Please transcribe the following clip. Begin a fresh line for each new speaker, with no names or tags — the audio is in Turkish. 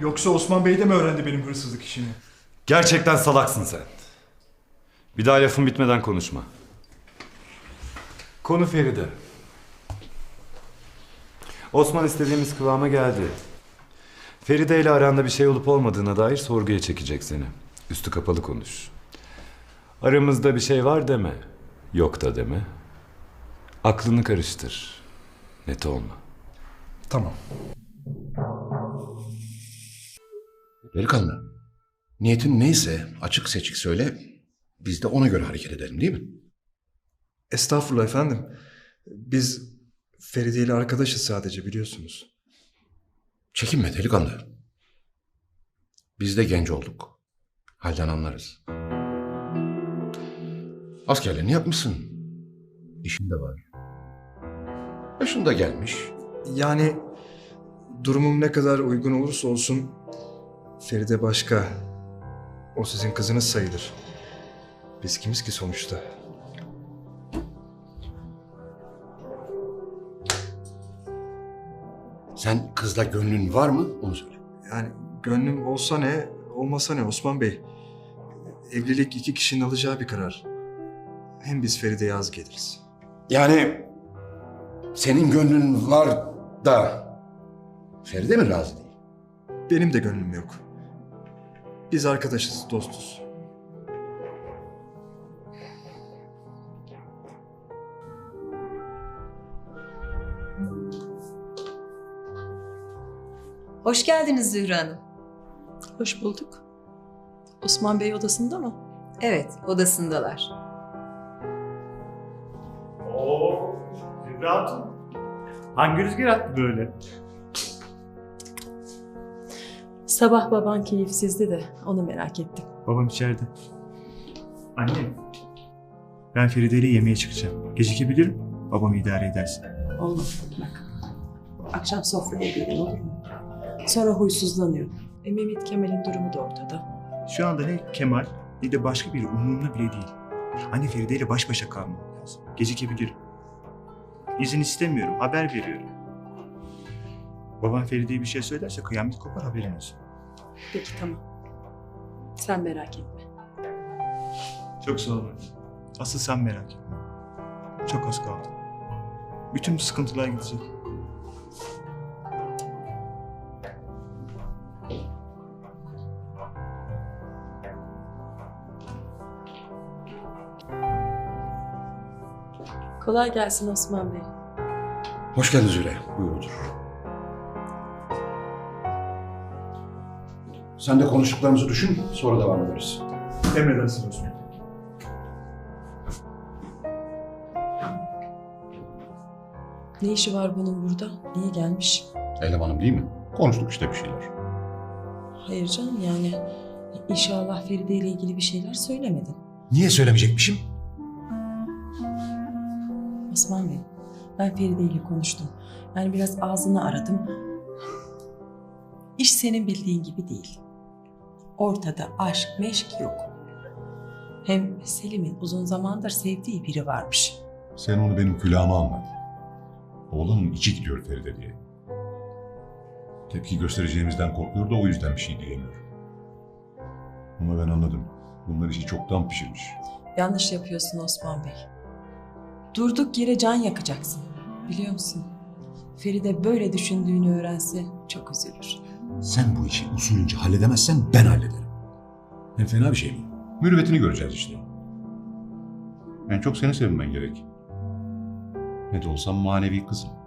Yoksa Osman Bey de mi öğrendi benim hırsızlık işini?
Gerçekten salaksın sen. Bir daha lafın bitmeden konuşma. Konu Feride. Osman istediğimiz kıvama geldi. Feride ile aranda bir şey olup olmadığına dair sorguya çekecek seni. Üstü kapalı konuş. Aramızda bir şey var deme. Yok da deme. Aklını karıştır. Net olma.
Tamam.
Delikanlı, niyetin neyse açık seçik söyle, biz de ona göre hareket edelim değil mi?
Estağfurullah efendim. Biz Feride ile arkadaşız sadece, biliyorsunuz.
Çekinme delikanlı. Biz de genç olduk. Halden anlarız. Askerliğini yapmışsın. İşin de var. Yaşın da gelmiş.
Yani durumum ne kadar uygun olursa olsun Feride başka. O sizin kızınız sayılır. Biz kimiz ki sonuçta?
Sen kızla gönlün var mı? Onu söyle.
Yani gönlüm olsa ne, olmasa ne Osman Bey? Evlilik iki kişinin alacağı bir karar. Hem biz Feride'ye az geliriz.
Yani senin gönlün var da Feride mi razı değil?
Benim de gönlüm yok. Biz arkadaşız, dostuz.
Hoş geldiniz Zühre Hanım.
Hoş bulduk. Osman Bey odasında mı?
Evet, odasındalar.
Oo, Zühre Hatun. Hangi rüzgar attı böyle?
Sabah baban keyifsizdi de onu merak ettim.
Babam içeride. Anne, ben Feride ile yemeğe çıkacağım. Gecikebilirim, babamı idare edersin.
Oğlum bak. Akşam sofraya gelin olur mu? Sonra huysuzlanıyor. Mehmet Kemal'in durumu da ortada.
Şu anda ne Kemal ne de başka biri umurumda bile değil. Anne Feride ile baş başa kalmam lazım. Gecikebilirim. İzin istemiyorum, haber veriyorum. Babam Feride'ye bir şey söylerse kıyamet kopar, haberin olsun.
Peki tamam. Sen merak etme.
Çok sağ ol anne. Asıl sen merak etme. Çok az kaldı. Bütün bu sıkıntılar gidecek.
Kolay gelsin Osman Bey.
Hoş geldin Züle. Buyur otur. Sen de konuştuklarımızı düşün, sonra devam ederiz.
Emredersin Osman.
Ne işi var bunun burada? Niye gelmiş?
Elemanım değil mi? Konuştuk işte bir şeyler.
Hayır canım yani inşallah Feride ile ilgili bir şeyler söylemedin.
Niye söylemeyecekmişim?
Osman Bey, ben Feride ile konuştum. Yani biraz ağzını aradım. İş senin bildiğin gibi değil. Ortada aşk meşk yok. Hem Selim'in uzun zamandır sevdiği biri varmış.
Sen onu benim külahıma anlat. Oğlanın içi gidiyor Feride diye. Tepki göstereceğimizden korkuyor da o yüzden bir şey diyemiyor. Ama ben anladım. Bunlar işi çoktan pişirmiş.
Yanlış yapıyorsun Osman Bey. Durduk yere can yakacaksın. Biliyor musun? Feride böyle düşündüğünü öğrense çok üzülür.
Sen bu işi usulünce halledemezsen ben hallederim. Hem fena bir şey mi? Mürüvvetini göreceğiz işte. En çok seni sevmen gerek. Ne de olsa manevi kızım.